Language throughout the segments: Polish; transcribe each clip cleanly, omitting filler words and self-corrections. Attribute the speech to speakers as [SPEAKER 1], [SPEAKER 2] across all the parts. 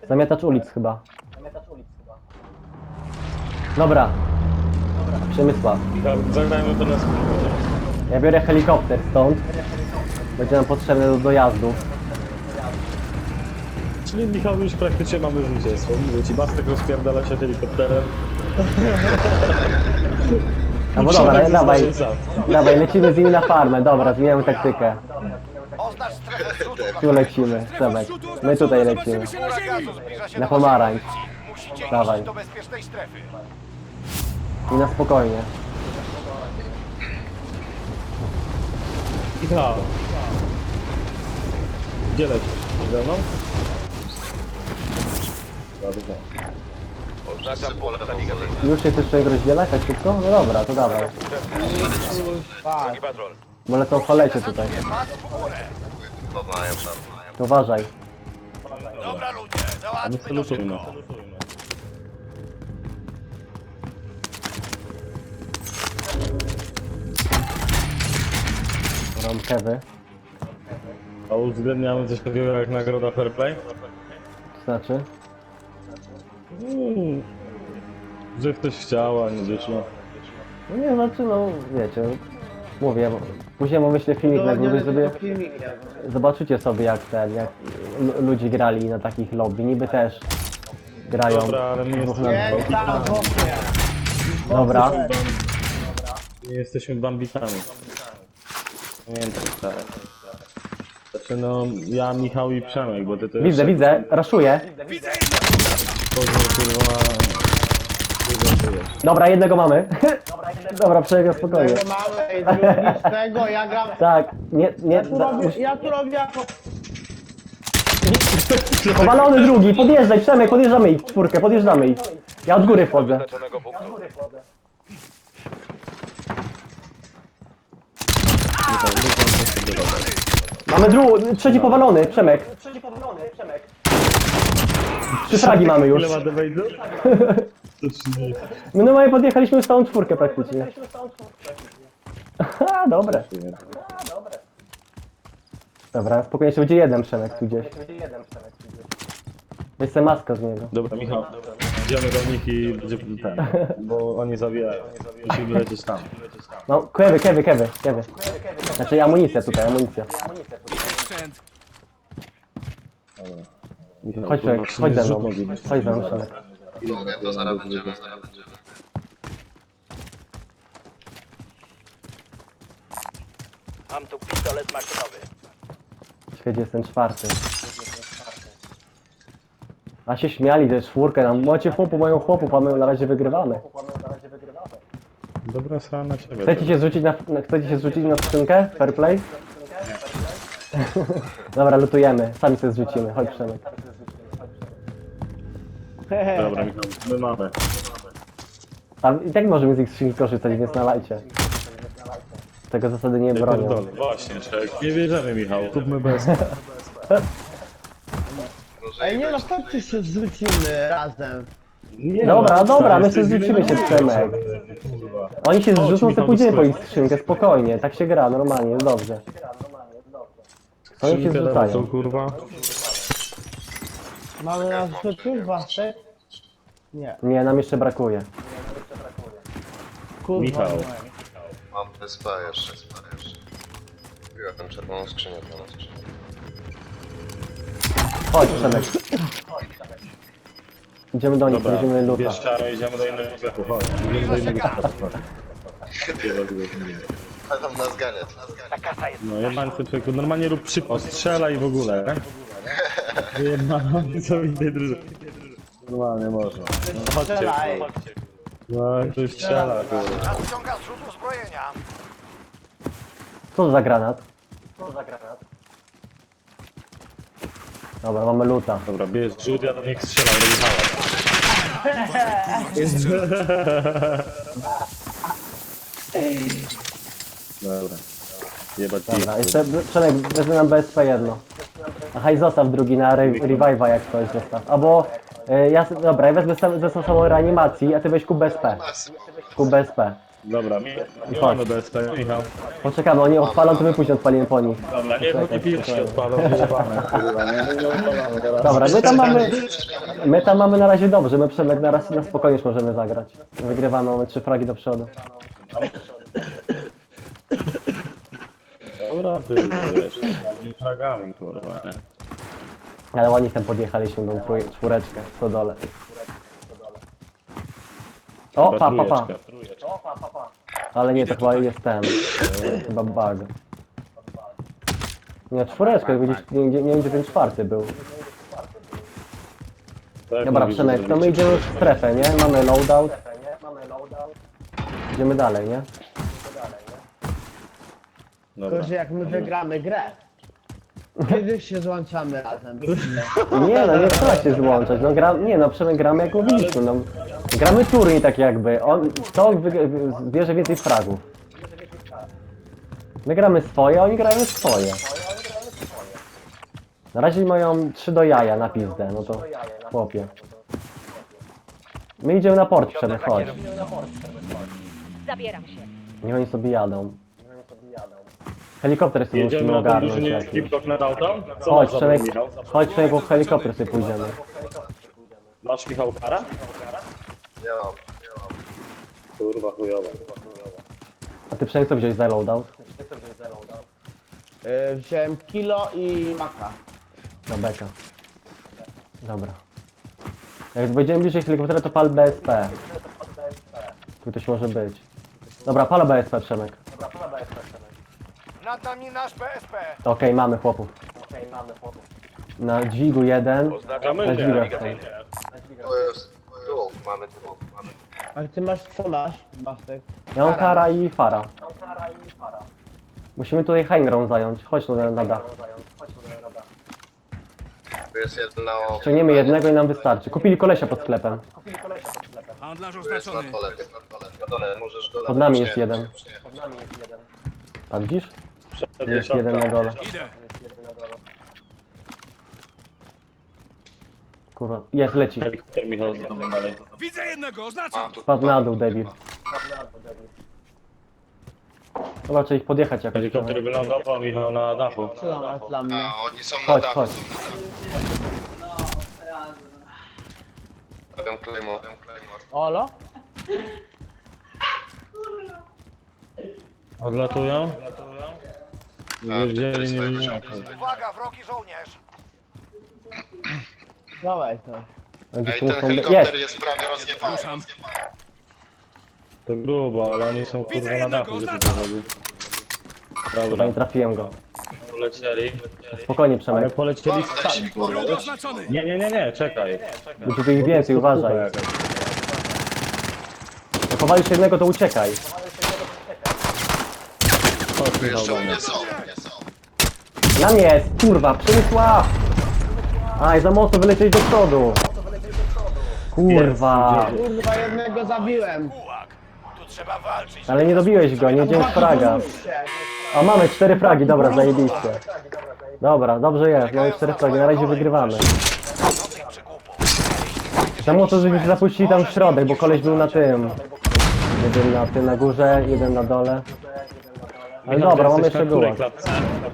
[SPEAKER 1] Zamiatacz ulic chyba. Dobra. Przemysław.
[SPEAKER 2] Zagrajmy to na spokojnie.
[SPEAKER 1] Ja biorę helikopter stąd. Będzie nam potrzebny do dojazdu.
[SPEAKER 2] Czyli Michał już praktycznie mamy zwycięstwo. Mówię ci, Bastek rozpierdala się helikopterem.
[SPEAKER 1] No bo dobra, dawaj, lecimy z nimi na farmę. Dobra, zmieniamy taktykę.
[SPEAKER 3] Oznacz strefę zrzutu.
[SPEAKER 1] Tu lecimy, Przemek. My tutaj lecimy.
[SPEAKER 3] Chmura gazu zbliża się
[SPEAKER 1] Na
[SPEAKER 3] do
[SPEAKER 1] pomarańcz.
[SPEAKER 3] Musicie
[SPEAKER 1] Dawaj.
[SPEAKER 3] iść do bezpiecznej strefy.
[SPEAKER 1] I na spokojnie.
[SPEAKER 2] Michał. Gdzie lecisz? Ze mną? Dobrze.
[SPEAKER 3] Oznaczam pole nawigacyjne.
[SPEAKER 1] Już się chcesz człowiek rozdzielać tak szybko? No dobra, to dawaj.
[SPEAKER 3] Drugi patrol.
[SPEAKER 1] Bo lecą falecie tutaj.
[SPEAKER 3] Patrz w górę.
[SPEAKER 1] To uważaj.
[SPEAKER 3] Dobra ludzie,
[SPEAKER 2] My
[SPEAKER 3] załatwmy to
[SPEAKER 2] salutujmy.
[SPEAKER 3] szybko.
[SPEAKER 1] Rąkewy.
[SPEAKER 2] A uwzględniamy coś takiego jak nagroda Fair Play?
[SPEAKER 1] To znaczy?
[SPEAKER 2] Że ktoś chciał, a nie wyszło.
[SPEAKER 1] No nie, znaczy no, wiecie. Mówię, bo później mu wyślę filmik na górze, sobie zobaczycie sobie jak ludzie grali na takich lobby. Niby też grają
[SPEAKER 2] Dobra, ale my
[SPEAKER 1] dwóch na
[SPEAKER 2] jesteśmy,
[SPEAKER 1] dwóch. Dobra.
[SPEAKER 2] nie jesteśmy bambitami. Pamiętaj, tak. Znaczy no, ja, Michał i Przemek, bo ty to
[SPEAKER 1] Widzę, raszuję.
[SPEAKER 2] kurwa...
[SPEAKER 1] Dobra, jednego mamy. Dobra, przebieg spokojnie.
[SPEAKER 4] Tego mamy i drugi z tego, ja gram...
[SPEAKER 1] Tak, nie,
[SPEAKER 4] Ja tu robię jako...
[SPEAKER 1] powalony drugi, podjeżdżaj, Przemek, podjeżdżamy ich, czwórkę, podjeżdżamy ich. Ja od góry wchodzę.
[SPEAKER 3] Wyznaczonego punktu.
[SPEAKER 1] Mamy trzeci powalony, Przemek. Trzy fragi mamy już.
[SPEAKER 2] Ile ma do wejdu?
[SPEAKER 1] My normalnie podjechaliśmy już całą czwórkę praktycznie. Ha, dobre. Dobra, spokojnie, jeszcze będzie jeden Przemek tu gdzieś. Weź sobie maskę z niego.
[SPEAKER 2] Dobra, Michał, idziemy do nich i będzie ten, bo oni zabijają. Musimy lecieć tam.
[SPEAKER 1] No, kewy. Znaczy amunicja tutaj, amunicja.
[SPEAKER 2] Michał,
[SPEAKER 1] Chodź
[SPEAKER 2] kurwa,
[SPEAKER 1] Przemek, chodź ze
[SPEAKER 2] zrzut
[SPEAKER 1] mną.
[SPEAKER 2] nogi, nie?
[SPEAKER 1] Chodź ze mną Przemek.
[SPEAKER 5] To zaraz będziemy.
[SPEAKER 3] Mam tu pistolet maszynowy.
[SPEAKER 1] Czekaj, gdzie jest ten czwarty. A się śmiali, że czwórkę nam. Macie chłopu, mają chłopów, a my na razie wygrywamy.
[SPEAKER 2] Dobra, sra na ciebie.
[SPEAKER 1] Chcecie się zrzucić na skrzynkę? Fair play? Dobra, lutujemy. Sami sobie zrzucimy. Chodź Przemek.
[SPEAKER 2] Dobra, Michał, my mamy.
[SPEAKER 1] A i tak możemy z ich skrzynki korzystać, więc nalajcie. Tego zasady nie bronią.
[SPEAKER 2] Pierdolę. Właśnie, czek. Nie bierzemy, Michał. Kupmy bez.
[SPEAKER 4] Ej, nie no, chodźcie się zrzucimy razem.
[SPEAKER 2] Nie,
[SPEAKER 1] Dobra, my się
[SPEAKER 2] jesteś
[SPEAKER 1] zrzucimy się, Przemek.
[SPEAKER 2] Kurwa.
[SPEAKER 1] Oni się zrzucą, to
[SPEAKER 2] Michał,
[SPEAKER 1] pójdziemy po ich
[SPEAKER 2] skoro.
[SPEAKER 1] skrzynkę, spokojnie. Tak się gra, normalnie, jest dobrze. Oni się
[SPEAKER 2] Skrzynkę dawaj,
[SPEAKER 1] zrzucają.
[SPEAKER 2] co, kurwa?
[SPEAKER 4] Mamy nas zrzucić, Wasek? Nie,
[SPEAKER 1] Nie, nam jeszcze brakuje.
[SPEAKER 4] kurwa.
[SPEAKER 2] Michał.
[SPEAKER 5] Mam wyspę jeszcze. Ja tam czerwoną skrzynię dla nas.
[SPEAKER 1] Chodź Przemek. Idziemy do nich,
[SPEAKER 2] Dobra,
[SPEAKER 1] będziemy luta.
[SPEAKER 2] bierz czarę, idziemy do innego sklepu, chodź. Idziemy do innego sklepu.
[SPEAKER 5] A tam nas ganiać.
[SPEAKER 2] No, jebańcy człowieku, normalnie rób szybko, strzela i w ogóle. Jebańcy co innej drużyny. Normalnie można. No, chodźcie.
[SPEAKER 4] Strzelaj.
[SPEAKER 2] No, ktoś strzela, kurwa.
[SPEAKER 3] Nadciąga zrzut uzbrojenia.
[SPEAKER 1] Co to za granat? Dobra, mamy luta.
[SPEAKER 2] Dobra, bierz rzut, ja do nich strzelam, robię hałas. Dobra. Jebać
[SPEAKER 1] Dobra, jeszcze Przemek, wezmę nam BSP jedno. Aha, i zostaw drugi na revive'a jak coś zostaw. Albo, ja wezmę samą reanimacji, a ty weź kup BSP. Kup BSP.
[SPEAKER 2] Dobra, nie
[SPEAKER 1] Chodź.
[SPEAKER 2] mamy BSP, Michał.
[SPEAKER 1] Poczekamy, oni odpalą, to my później odpalimy po nich.
[SPEAKER 2] Dobra, nie, bo pierwsi odpalą, wyjebane, kurwa, nie? No, odpalamy teraz.
[SPEAKER 1] Dobra, my tam mamy na razie dobrze, my Przemek na spokojnie już możemy zagrać. Wygrywamy, mamy 3 fragi do przodu.
[SPEAKER 2] Dobra, ty wiesz, z fragami, kurwa, nie?
[SPEAKER 1] Ale ładnie tam podjechaliśmy tą czwóreczkę w stodole. O, pa.
[SPEAKER 2] Trójeczka.
[SPEAKER 1] Ale nie, to chyba jest ten, chyba bug. Nie, czwóreczkę, gdzieś, nie wiem gdzie ten czwarty był.
[SPEAKER 2] Tak
[SPEAKER 1] Dobra,
[SPEAKER 2] mówisz,
[SPEAKER 1] Przemek,
[SPEAKER 2] że
[SPEAKER 1] to my idziemy już w strefę, nie? Mamy loadout. Idziemy dalej, nie?
[SPEAKER 2] Dobra.
[SPEAKER 4] Tylko, że jak my wygramy grę, kiedy się złączamy razem?
[SPEAKER 1] Nie no, nie trzeba się złączać, no nie no, Przemek gramy jak mówiliśmy, no. Gramy turniej tak jakby, kto bierze więcej fragów. My gramy swoje, a oni grają swoje. Na razie mają 3 do jaja na pizdę, no to chłopie. My idziemy na port, Przemek, chodź.
[SPEAKER 6] Zabieram się.
[SPEAKER 1] Niech oni sobie jadą. Helikopter sobie musimy
[SPEAKER 2] Jedziemy na ten
[SPEAKER 1] ogarnąć
[SPEAKER 2] duży
[SPEAKER 1] jakiś.
[SPEAKER 2] skip nad auto? Co
[SPEAKER 1] Chodź
[SPEAKER 2] masz za
[SPEAKER 1] Przemek,
[SPEAKER 2] broń, Michał?
[SPEAKER 1] chodź Przemek, bo w helikopter sobie pójdziemy.
[SPEAKER 2] Masz Michał kara?
[SPEAKER 5] Nie mam.
[SPEAKER 2] Kurwa chujowa.
[SPEAKER 1] A ty Przemek co wziąłeś za loadout?
[SPEAKER 4] Wziąłem kilo i maka.
[SPEAKER 1] Na beka. Dobra. Jak będziemy bliżej helikoptera, to pal BSP. Tu ktoś może być. Dobra, pal BSP, Przemek.
[SPEAKER 3] Nad nami nasz BSP.
[SPEAKER 1] Okej, mamy chłopów. Na dźwigu jeden.
[SPEAKER 2] Oznaczamy,
[SPEAKER 1] Na
[SPEAKER 2] że
[SPEAKER 1] dźwigach są.
[SPEAKER 5] To jest... Tu, mamy tu.
[SPEAKER 4] Ale ty masz, co masz, Bastek?
[SPEAKER 1] Ja mam Kara i Fara. Musimy tutaj high ground zająć. Chodź tu na dach.
[SPEAKER 5] Tu jest jedna...
[SPEAKER 1] Ściągniemy jednego i nam wystarczy. Kupili kolesia pod sklepem.
[SPEAKER 3] Handlarz
[SPEAKER 5] Tu jest na dole, na dole, możesz go...
[SPEAKER 1] Pod nami jest jeden. A widzisz? Jest jeden na dole.
[SPEAKER 3] Idę.
[SPEAKER 1] Kurwa, jest, leci.
[SPEAKER 2] Helikopter Michał znowu dalej.
[SPEAKER 3] Widzę jednego, oznaczam.
[SPEAKER 1] Spadł na dół, debil. Dobra, trzeba ich podjechać jakoś.
[SPEAKER 2] Helikopter wylądował Michał na dachu.
[SPEAKER 4] Co tam masz dla mnie?
[SPEAKER 5] A, oni są na
[SPEAKER 1] Chodź,
[SPEAKER 5] dachu.
[SPEAKER 1] chodź.
[SPEAKER 5] Robią Claymore.
[SPEAKER 4] Olo?
[SPEAKER 2] Odlatują? Nie wiedzieli, nie wiedzieli.
[SPEAKER 3] Uwaga, wrogi żołnierz.
[SPEAKER 4] Dawaj to.
[SPEAKER 1] Będzie
[SPEAKER 5] Ej,
[SPEAKER 1] tu
[SPEAKER 5] ten
[SPEAKER 1] muszą...
[SPEAKER 5] helikopter
[SPEAKER 1] Jest!
[SPEAKER 5] jest prawie rozjebany.
[SPEAKER 2] To grubo, ale oni są kurwa na dachu, żeby to robić.
[SPEAKER 1] Chyba
[SPEAKER 2] Dobra,
[SPEAKER 1] nie trafiłem go.
[SPEAKER 2] polecieli.
[SPEAKER 1] Spokojnie,
[SPEAKER 2] Ale
[SPEAKER 1] Przemek.
[SPEAKER 2] polecieli sami, kurwa.
[SPEAKER 3] Wróg oznaczony.
[SPEAKER 2] Nie, czekaj.
[SPEAKER 1] Będzie tu ich więcej, uważaj. Jak powalisz jednego, to uciekaj.
[SPEAKER 2] Chodź
[SPEAKER 5] Tu
[SPEAKER 2] Michał
[SPEAKER 5] jeszcze
[SPEAKER 2] do mnie.
[SPEAKER 5] nie są.
[SPEAKER 1] Na mnie jest, kurwa, Przemysław! Aj, za mocno wylecieć do przodu. Kurwa.
[SPEAKER 4] Kurwa, jednego zabiłem.
[SPEAKER 3] Bułak. Tu trzeba walczyć.
[SPEAKER 1] Ale nie dobiłeś go, nie wziąłeś fraga. A mamy 4 fragi, dobra, zajebiście. Dobra, dobrze jest, mamy 4 fragi, na razie wygrywamy.
[SPEAKER 3] Żadnych przygłupów.
[SPEAKER 1] Za mocno, żebyśmy się zapuścili tam w środek, bo koleś był na tym. Jeden na tym na górze, jeden na dole. Ale
[SPEAKER 2] Michał,
[SPEAKER 1] dobra,
[SPEAKER 2] ty
[SPEAKER 1] mamy
[SPEAKER 2] jesteś
[SPEAKER 1] jeszcze
[SPEAKER 2] na której
[SPEAKER 1] było.
[SPEAKER 2] klatce?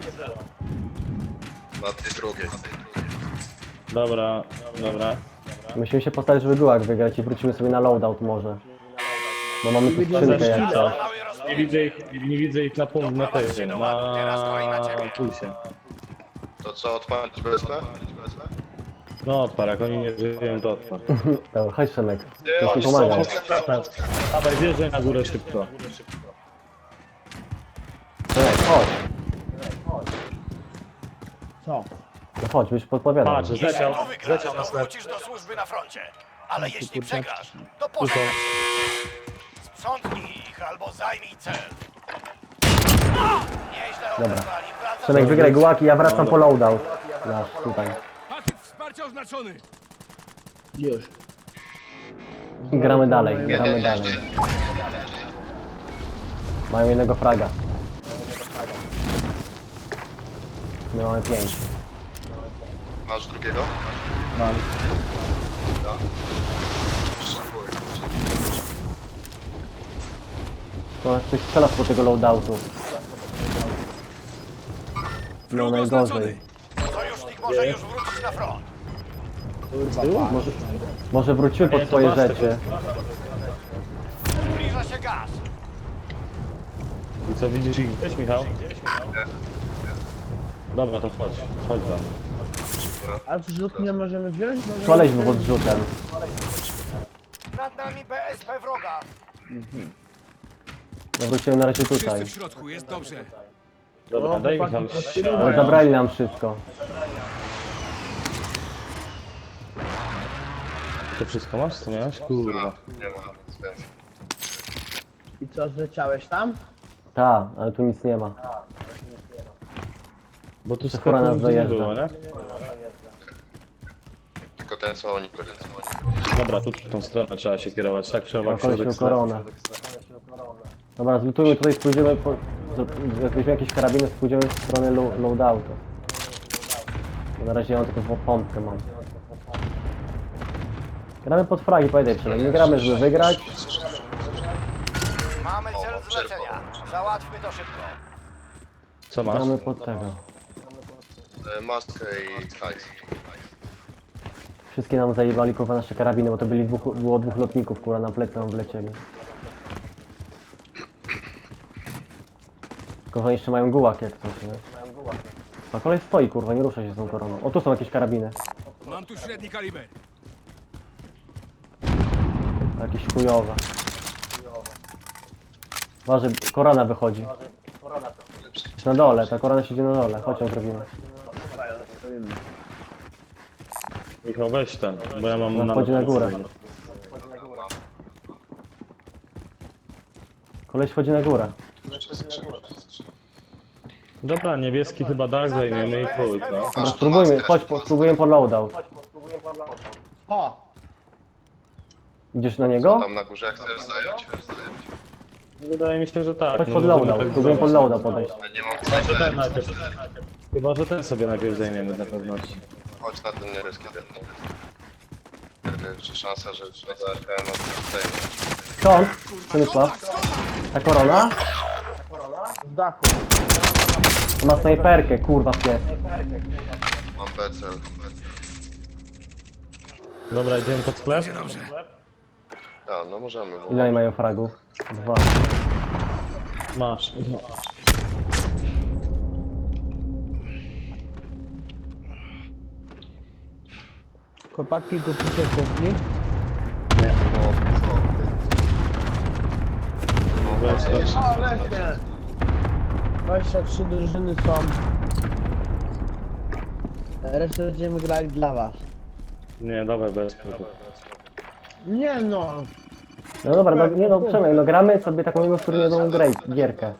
[SPEAKER 5] Na tej drugiej.
[SPEAKER 2] Dobra.
[SPEAKER 1] Musimy się postawić, żeby gułak wygrać i wrócimy sobie na loadout może. Bo mamy tu skrzynkę jak coś.
[SPEAKER 2] Nie widzę ich na punkt, na tej, na pulsie.
[SPEAKER 5] To co, odpalić BSP?
[SPEAKER 2] No odpar, jak oni nie żyją, to odpar.
[SPEAKER 1] Dobra, chodź Szemek,
[SPEAKER 5] Ty,
[SPEAKER 1] to ci
[SPEAKER 5] oni
[SPEAKER 1] pomagam.
[SPEAKER 5] są...
[SPEAKER 2] Dawaj, wjeżdżaj na górę szybko.
[SPEAKER 1] Szemek, chodź.
[SPEAKER 4] Co?
[SPEAKER 1] No chodź, już podpowiadam.
[SPEAKER 2] Patrz,
[SPEAKER 3] Jeśli
[SPEAKER 2] zleciał
[SPEAKER 3] wygrasz,
[SPEAKER 2] na
[SPEAKER 3] to
[SPEAKER 2] sklep.
[SPEAKER 3] wrócisz do służby na froncie. Ale jeśli przegrasz, to
[SPEAKER 2] Tu są.
[SPEAKER 3] pożegnaj. Sprzątnij ich albo zajmij cel. Nieźle odebrali. Wracam
[SPEAKER 1] Szemek, wygraj gułaki, ja wracam po loadout. Nasz, tutaj.
[SPEAKER 3] Patyk wsparcia oznaczony.
[SPEAKER 4] Już.
[SPEAKER 1] I gramy dalej, gramy dalej. Mają jednego fraga. My mamy 5.
[SPEAKER 5] Masz drugiego?
[SPEAKER 2] Mam.
[SPEAKER 5] Szafuj.
[SPEAKER 1] To ktoś strzela po tego loadoutu. No najgorzej.
[SPEAKER 3] Sojusznik może już wrócić na front.
[SPEAKER 1] Może wróciły po
[SPEAKER 2] Nie, to
[SPEAKER 1] swoje
[SPEAKER 2] was
[SPEAKER 1] rzeczy.
[SPEAKER 3] Zbliża się gaz.
[SPEAKER 2] I co, widzisz ich gdzieś, Michał? Dobra, to chodź tam.
[SPEAKER 4] A wrzut nie możemy wziąć?
[SPEAKER 1] Koleś był odrzutem.
[SPEAKER 3] Nad nami BSP wroga.
[SPEAKER 1] Ja wróciłem na razie tutaj.
[SPEAKER 6] Wszyscy w środku, jest dobrze.
[SPEAKER 2] Dobra, daj Michał
[SPEAKER 1] Ale zabrali nam wszystko.
[SPEAKER 2] To wszystko masz, co miałeś? Kurwa.
[SPEAKER 5] Nie ma nic więcej.
[SPEAKER 4] I co, zleciałeś tam?
[SPEAKER 1] Ta, ale tu nic nie ma.
[SPEAKER 2] Bo tu
[SPEAKER 1] Skoro nas
[SPEAKER 2] sklepu nigdzie nie
[SPEAKER 1] dojeżdża.
[SPEAKER 2] było, nie?
[SPEAKER 5] Tylko ten co oni byli.
[SPEAKER 2] Dobra, tu w tą stronę trzeba się kierować, tak?
[SPEAKER 1] Mam
[SPEAKER 2] Przełamać
[SPEAKER 1] koleś miał koronę. Dobra, zlutujmy tutaj, pójdziemy po... Jak weźmiemy jakieś karabiny, pójdziemy w stronę loadoutu. Bo na razie ja mam tylko pompkę mam. Gramy pod fragi, pamiętaj przynajmniej. Nie gramy, żeby wygrać.
[SPEAKER 3] Mamy cel zlecenia. Załatwmy to szybko.
[SPEAKER 2] Co masz?
[SPEAKER 1] Gramy pod tego.
[SPEAKER 5] Maskę i hajs.
[SPEAKER 1] Wszystkie nam zajebali kurwa nasze karabiny, bo to było dwóch lotników kurwa na plecy nam wlecieli. Kurwa jeszcze mają gułak jak coś, nie? A kolej stoi kurwa, nie rusza się z tą koroną. O tu są jakieś karabiny.
[SPEAKER 6] Mam tu średni kaliber.
[SPEAKER 1] Jakieś chujowe. Uważaj, korona wychodzi. Jest na dole, ta korona siedzi na dole. Chodź ją zrobimy.
[SPEAKER 2] Michał, weź ten, bo ja mam
[SPEAKER 1] Ona wchodzi na górę. Koleś wchodzi na górę.
[SPEAKER 2] Dobra, niebieski chyba dach zajmiemy i chuj, no.
[SPEAKER 1] Dobra, spróbujmy, chodź, spróbujemy po loadout.
[SPEAKER 4] O!
[SPEAKER 1] Idziesz na niego?
[SPEAKER 5] Tam na górze jak chcesz zająć.
[SPEAKER 2] Wydaje mi się, że tak.
[SPEAKER 1] Chodź
[SPEAKER 2] no,
[SPEAKER 1] pod
[SPEAKER 2] możemy
[SPEAKER 1] loadout,
[SPEAKER 2] tak
[SPEAKER 1] spróbujemy pod
[SPEAKER 2] zrobić.
[SPEAKER 1] loadout podejść.
[SPEAKER 5] Nie mam
[SPEAKER 2] Chyba, że ten
[SPEAKER 5] snajpera.
[SPEAKER 2] najpierw. Chyba, że ten sobie najpierw zajmiemy na pewności.
[SPEAKER 5] Chodź na ten niebieski ten. Czy szansa, że za RPM odstępuje.
[SPEAKER 1] Skąd? Przemysław? Ta korona?
[SPEAKER 4] Z dachu.
[SPEAKER 1] Ma snajperkę, kurwa pies.
[SPEAKER 5] Mam becel.
[SPEAKER 2] Dobra, idziemy pod sklep?
[SPEAKER 5] A, no możemy. Bo...
[SPEAKER 1] Ile oni mają fragów? 2.
[SPEAKER 2] Masz.
[SPEAKER 4] Chłopaki kupicie kuchni?
[SPEAKER 2] Weź to.
[SPEAKER 4] O, leśnie! 23 drużyny są. Resztę będziemy grać dla was.
[SPEAKER 2] Nie, dawaj bez problemu.
[SPEAKER 4] Nie no!
[SPEAKER 1] No dobra, no, nie no, Przemek, no gramy sobie taką jedną turniejową gierkę.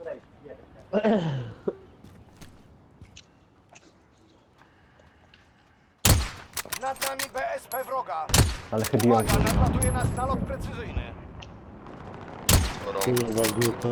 [SPEAKER 3] Nad nami BSP wroga.
[SPEAKER 1] Ale chybiłem.
[SPEAKER 3] Uwaga, nadlatuje nas nalot precyzyjny.
[SPEAKER 2] Kurwa, głupa.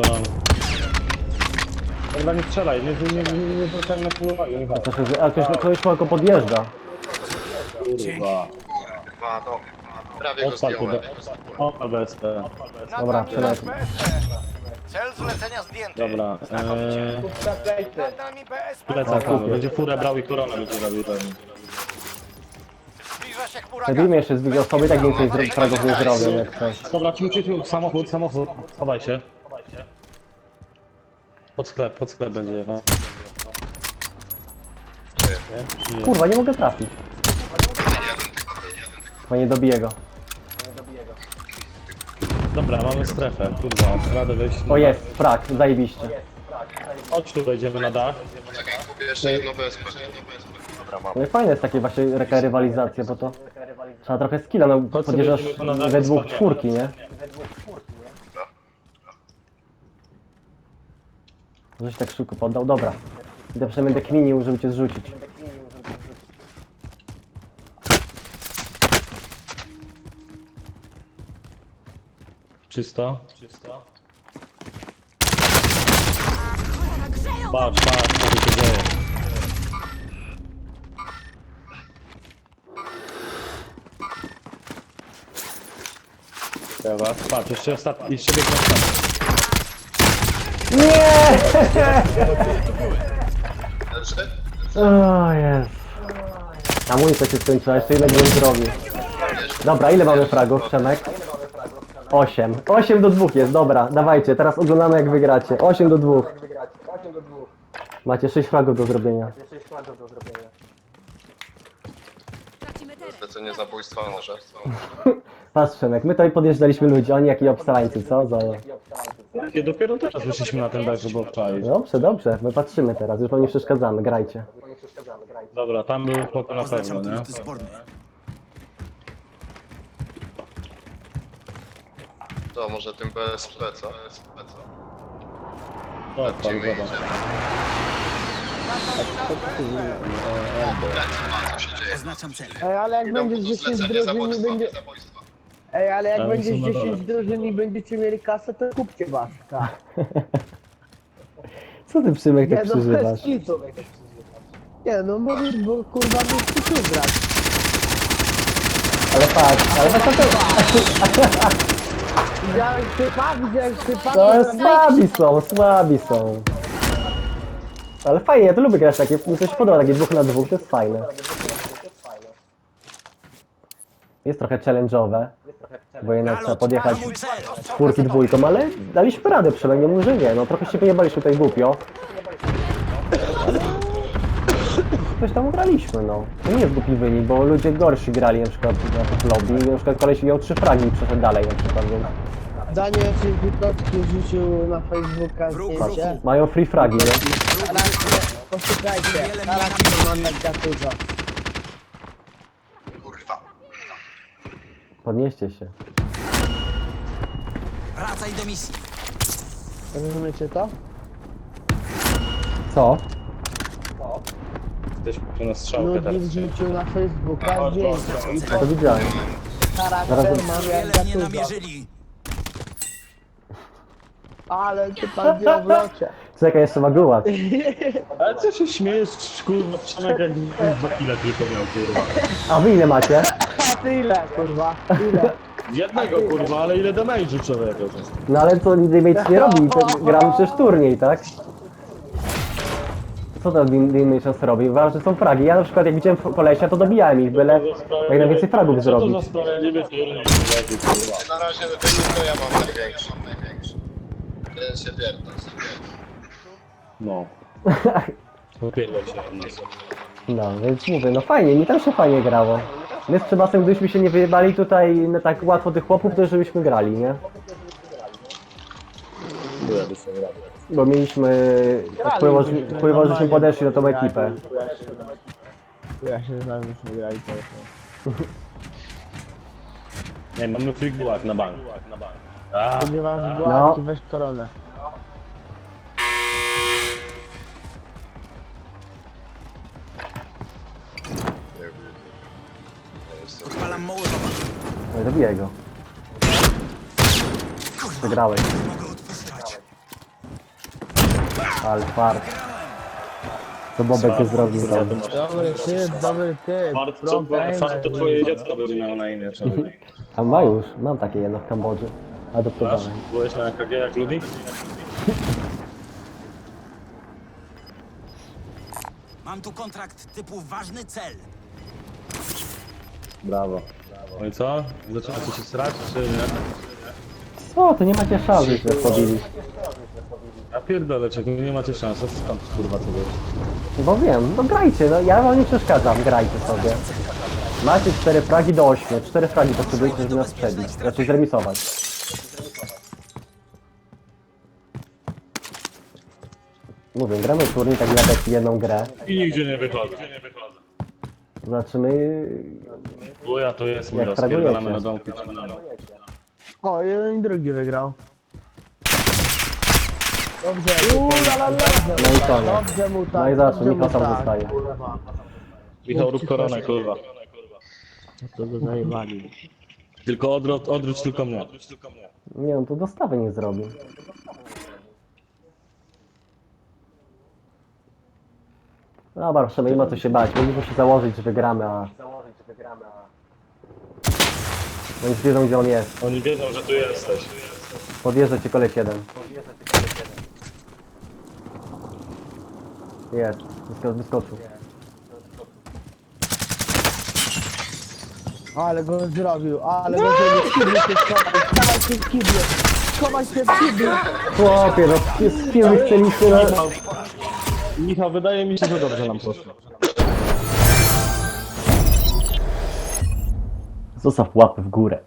[SPEAKER 2] Dobra, nie strzelaj, nie zwracaj na pół uwagi, Michał.
[SPEAKER 1] A ktoś tylko podjeżdża.
[SPEAKER 2] Kurwa.
[SPEAKER 5] A, no. Prawie go
[SPEAKER 2] Odpal tu
[SPEAKER 5] zdjąłem.
[SPEAKER 2] O, BSP.
[SPEAKER 3] Nad
[SPEAKER 1] Dobra,
[SPEAKER 3] nami nasz
[SPEAKER 1] Przemek.
[SPEAKER 3] BSP. Cel zlecenia zdjęty.
[SPEAKER 2] Dobra,
[SPEAKER 3] Nad nami BSP
[SPEAKER 2] plecak
[SPEAKER 3] wroga.
[SPEAKER 2] mamy. Będzie furę brał i koronę będzie robił ten.
[SPEAKER 3] Zbliża się chmura
[SPEAKER 1] Zabijmy
[SPEAKER 3] gazu.
[SPEAKER 1] jeszcze z dwie osoby, tak więcej fragów nie zrobią jak coś.
[SPEAKER 2] Dobra, tu, samochód. Chowaj się. Pod sklep będzie jechał.
[SPEAKER 1] Kurwa, nie mogę trafić. Bo nie dobiję go.
[SPEAKER 2] Dobra, mamy strefę, kurwa, radę wejść.
[SPEAKER 1] O jest, frag, zajebiście.
[SPEAKER 2] Chodź tu, wejdziemy na dach.
[SPEAKER 5] Czekaj, kupię jeszcze jedno BSP. Dobra, mam.
[SPEAKER 1] No i fajne jest takie właśnie taka rywalizacja, bo to trzeba trochę skilla, no podjeżdżasz we dwóch czwórki, nie? Żeś tak szybko poddał, dobra. Idę przynajmniej będę kminił, żeby cię zrzucić.
[SPEAKER 2] Czysto. Patrz, co się dzieje. Dobra, patrz, jeszcze biegnie ostatni.
[SPEAKER 1] Nie!
[SPEAKER 5] Leży?
[SPEAKER 1] O jest. Amunicja się skończyła, jeszcze ile bym zrobił. Dobra, ile mamy fragów, Przemek? 8. 8 do 2 jest, dobra, dawajcie, teraz oglądamy jak wygracie. 8 do 2. Macie 6 fragów do zrobienia.
[SPEAKER 7] Tracimy teren.
[SPEAKER 5] Zlecenie zabójstwa może.
[SPEAKER 1] Patrz Przemek, my tutaj podjeżdżaliśmy ludzi, oni jak i obstrańcy, co?
[SPEAKER 2] Jakie dopiero teraz wyszliśmy na ten dach, żeby obczaić.
[SPEAKER 1] Dobrze, dobrze, my patrzymy teraz, już wam nie przeszkadzamy, grajcie.
[SPEAKER 2] Dobra, tam był pokój na pewno, nie?
[SPEAKER 5] To może tym BSP, co?
[SPEAKER 2] Tak,
[SPEAKER 5] Gdzie
[SPEAKER 2] tam
[SPEAKER 5] my
[SPEAKER 2] zobacz.
[SPEAKER 5] idziemy? Co się dzieje?
[SPEAKER 6] Oznaczam cel.
[SPEAKER 4] Ej, ale jak
[SPEAKER 5] Idą
[SPEAKER 4] będzie
[SPEAKER 5] po
[SPEAKER 4] 10
[SPEAKER 5] zlecenie
[SPEAKER 4] drużyn i
[SPEAKER 5] zabójstwa.
[SPEAKER 4] będzie... Ej, ale jak
[SPEAKER 2] Ale
[SPEAKER 4] będzie
[SPEAKER 2] są na
[SPEAKER 4] 10
[SPEAKER 2] dole.
[SPEAKER 4] drużyn i będziecie mieli kasę, to kupcie Baska.
[SPEAKER 1] Co ty Przemek tak
[SPEAKER 4] Nie no, bez
[SPEAKER 1] przeżywasz?
[SPEAKER 4] kitu. Nie no, możesz, bo kurwa nie chcesz grać.
[SPEAKER 1] Ale patrz, ale patrz na to.
[SPEAKER 4] Widziałeś typa?
[SPEAKER 1] To słabi są. Ale fajnie, ja to lubię grać takie, mi to się podoba, takie 2 na 2, to jest fajne. Jest trochę challenge'owe, bo jednak trzeba podjechać czwórki dwójką, ale daliśmy radę, przynajmniej nie mówię, że nie, no trochę się wyjebaliśmy tutaj głupio. Ale coś tam graliśmy, no. To nie jest głupi wynik, bo ludzie gorsi grali na przykład w lobby i na przykład koleś miał 3 fragi i przeszedł dalej na przykład, więc
[SPEAKER 4] Daniel ci Witowski rzucił na Facebooka zdjęcie.
[SPEAKER 1] mają free fragi, nie?
[SPEAKER 4] Teraz posłuchajcie, teraz wygląda jak dużo.
[SPEAKER 5] Kurwa.
[SPEAKER 1] Podnieście się.
[SPEAKER 6] Wracaj do misji.
[SPEAKER 4] Rozumiecie to?
[SPEAKER 1] Co?
[SPEAKER 2] Jesteśmy na strzałkę teraz.
[SPEAKER 4] Ludzi wrzucił na Facebooka zdjęcie.
[SPEAKER 1] To widziałem.
[SPEAKER 4] Charakter mam jak
[SPEAKER 6] Wiele mnie
[SPEAKER 4] dużo.
[SPEAKER 6] namierzyli.
[SPEAKER 4] Ale ty pan wie o wlocie.
[SPEAKER 1] Czekaj, jeszcze ma gułacz.
[SPEAKER 2] Ale co się śmiejesz, kurwa, Przemek jak 2 kile tylko miał, kurwa.
[SPEAKER 1] A wy ile macie?
[SPEAKER 4] A ty ile, kurwa? Ile?
[SPEAKER 2] Jednego, kurwa, ale ile damage'u człowieka.
[SPEAKER 1] No ale co Damage nie robi? Gramy przecież turniej, tak? Co to Damage robi? Uważam, że są fragi. Ja na przykład jak widziałem kolesia, to dobijałem ich, byle jak najwięcej fragów
[SPEAKER 2] Co to
[SPEAKER 1] zrobić.
[SPEAKER 2] za sprawiedliwy turniej, kurwa.
[SPEAKER 5] Na razie wynik to ja mam największy. Jeden się pierdol.
[SPEAKER 2] No. Popierdol się od nas.
[SPEAKER 1] No, więc mówię, no fajnie, mi też się fajnie grało. My z Trzebasem, gdybyśmy się nie wyjebali tutaj na tak łatwo tych chłopów, to już żebyśmy grali, nie?
[SPEAKER 2] Byłaby sobie rady.
[SPEAKER 1] Bo mieliśmy... Wpływało, żeśmy podeszli na tą ekipę.
[SPEAKER 4] Ja się znam, już nie grali to.
[SPEAKER 2] Nie, mamy free gulag na bank. A,
[SPEAKER 4] Spodziewam się,
[SPEAKER 1] No.
[SPEAKER 4] weź koronę.
[SPEAKER 6] Odpalam Mołotowa.
[SPEAKER 1] No i zabijaj go. Przegrałeś.
[SPEAKER 6] Mogę odpuszczać.
[SPEAKER 1] Ale fart. Co Bobek tu zrobił tam?
[SPEAKER 4] Dobry typ,
[SPEAKER 2] Fart to twoje dziecko by miało na imię, człowiek.
[SPEAKER 1] A ma już, mam takie jedno w Kambodży. Adoptowane.
[SPEAKER 2] Byłeś na EKG jak Ludwik?
[SPEAKER 6] Mam tu kontrakt typu ważny cel.
[SPEAKER 2] Brawo. No i co? Zaczynacie się srać, czy nie?
[SPEAKER 1] Co, to nie macie szans, żeście pobili.
[SPEAKER 2] Ja pierdolę, czego nie macie szans, a skąd kurwa to wiesz?
[SPEAKER 1] Bo wiem, no grajcie, no ja wam nie przeszkadzam, grajcie sobie. Macie 4 fragi do 8, 4 fragi potrzebujecie, żeby nas przebić, raczej zremisować. Mówię, gramy turniej tak nawet jedną grę.
[SPEAKER 2] I nigdzie nie wychodzę.
[SPEAKER 1] Zobaczymy,
[SPEAKER 2] Bo ja to jest, my
[SPEAKER 1] Jak
[SPEAKER 2] rozpierdalamy
[SPEAKER 1] fragujecie.
[SPEAKER 2] na domku.
[SPEAKER 4] O, jeden i drugi wygrał. Dobrze,
[SPEAKER 1] no i koniec.
[SPEAKER 4] dobrze mu tak.
[SPEAKER 1] No i zobacz,
[SPEAKER 4] dobrze mu
[SPEAKER 1] Michał tam
[SPEAKER 4] tak.
[SPEAKER 1] zostaje.
[SPEAKER 2] Michał, rób koronę, kurwa.
[SPEAKER 4] To go zajebali.
[SPEAKER 2] Tylko odwróć tylko mnie.
[SPEAKER 1] Nie no, to dostawy nie zrobi. Dobra, proszę, nie ma co się bać, mogliśmy się założyć, że wygramy, a... No już wiedzą, gdzie on jest.
[SPEAKER 2] Oni wiedzą, że tu jesteś.
[SPEAKER 1] Podjeżdża cię koleś jeden. Jest, wyskoczył.
[SPEAKER 4] Ale go zrobił, ale go zrobił. W kiblu się schowaj się w kiblu. Schowaj się w kiblu.
[SPEAKER 1] Chłopie, no z kim wy chcieliście na...
[SPEAKER 2] Michał, wydaje mi się, że dobrze nam poszło.
[SPEAKER 1] Zostaw łapę w górę.